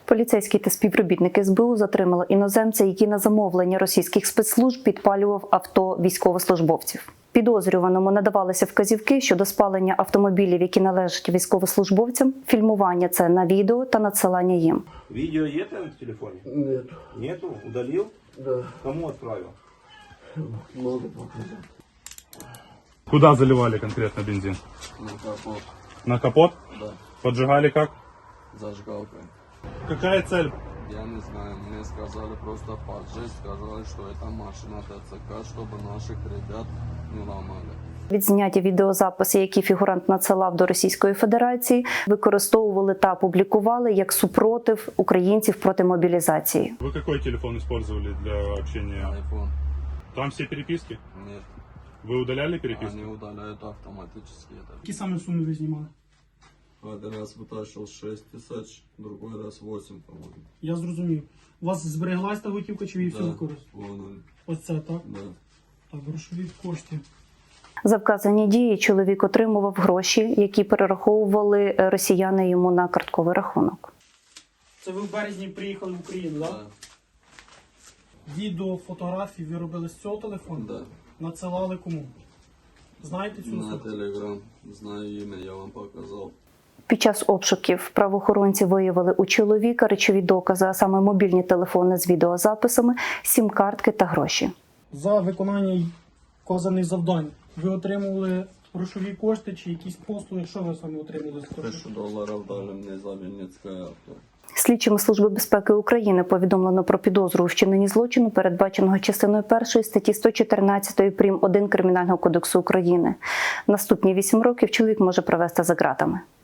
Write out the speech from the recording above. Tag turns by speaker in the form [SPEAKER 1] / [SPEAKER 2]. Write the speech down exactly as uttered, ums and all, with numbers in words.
[SPEAKER 1] Поліцейські та співробітники ес бе у затримали іноземця, який на замовлення російських спецслужб підпалював авто військовослужбовців. Підозрюваному надавалися вказівки щодо спалення автомобілів, які належать військовослужбовцям, фільмування це на відео та надсилання їм.
[SPEAKER 2] Видео є в телефоне?
[SPEAKER 3] Нет.
[SPEAKER 2] Нету? Удалил?
[SPEAKER 3] Да.
[SPEAKER 2] Кому отправил?
[SPEAKER 3] Могу показать.
[SPEAKER 4] Куда заливали конкретно бензин?
[SPEAKER 3] На капот.
[SPEAKER 4] На капот?
[SPEAKER 3] Да.
[SPEAKER 4] Поджигали как?
[SPEAKER 3] Зажигалкой.
[SPEAKER 4] Какая цель?
[SPEAKER 3] Я не знаю, мне сказали просто поджечь, сказали, что это машина тэ цэ ка, чтобы наших ребят не ломали.
[SPEAKER 1] Відзняті відеозаписи, які фігурант надсилав до Російської Федерації, використовували та публікували як супротив українців проти мобілізації.
[SPEAKER 4] Вы какой телефон использовали для общения?
[SPEAKER 3] Айфон.
[SPEAKER 4] Там все переписки?
[SPEAKER 3] Нет.
[SPEAKER 4] Вы удаляли переписки?
[SPEAKER 3] Они удаляют автоматически это.
[SPEAKER 5] Які саме суми ви знімали?
[SPEAKER 3] Один раз вытащил шесть тысяч, другой раз восемь, по-моему.
[SPEAKER 5] Я зрозумів. У вас збереглась та готівка, чи ви її всю використали?
[SPEAKER 3] Вон он.
[SPEAKER 5] Ось це, так?
[SPEAKER 3] Да.
[SPEAKER 5] Так, грошові кошти.
[SPEAKER 1] За вказані дії чоловік отримував гроші, які перераховували росіяни йому на картковий рахунок.
[SPEAKER 5] Це ви в березні приїхали в Україну, так?
[SPEAKER 3] Да.
[SPEAKER 5] Відео, фотографії ви робили з цього телефону?
[SPEAKER 3] Да.
[SPEAKER 5] Надсилали кому? Знаєте цю
[SPEAKER 3] На
[SPEAKER 5] особу?
[SPEAKER 3] телеграм. Знаю имя, я вам показал.
[SPEAKER 1] Під час обшуків правоохоронці виявили у чоловіка речові докази, а саме мобільні телефони з відеозаписами, сім-картки та гроші.
[SPEAKER 5] За виконання вказаних завдань ви отримували грошові кошти чи якісь послуги? Що ви саме отримали з того?
[SPEAKER 3] Тысячу долларов дали мне за Винницкое авто.
[SPEAKER 1] Слідчими Служби безпеки України повідомлено про підозру у вчиненні злочину, передбаченого частиною першої статті сто чотирнадцять прим. один Кримінального кодексу України. Наступні вісім років чоловік може провести за ґратами.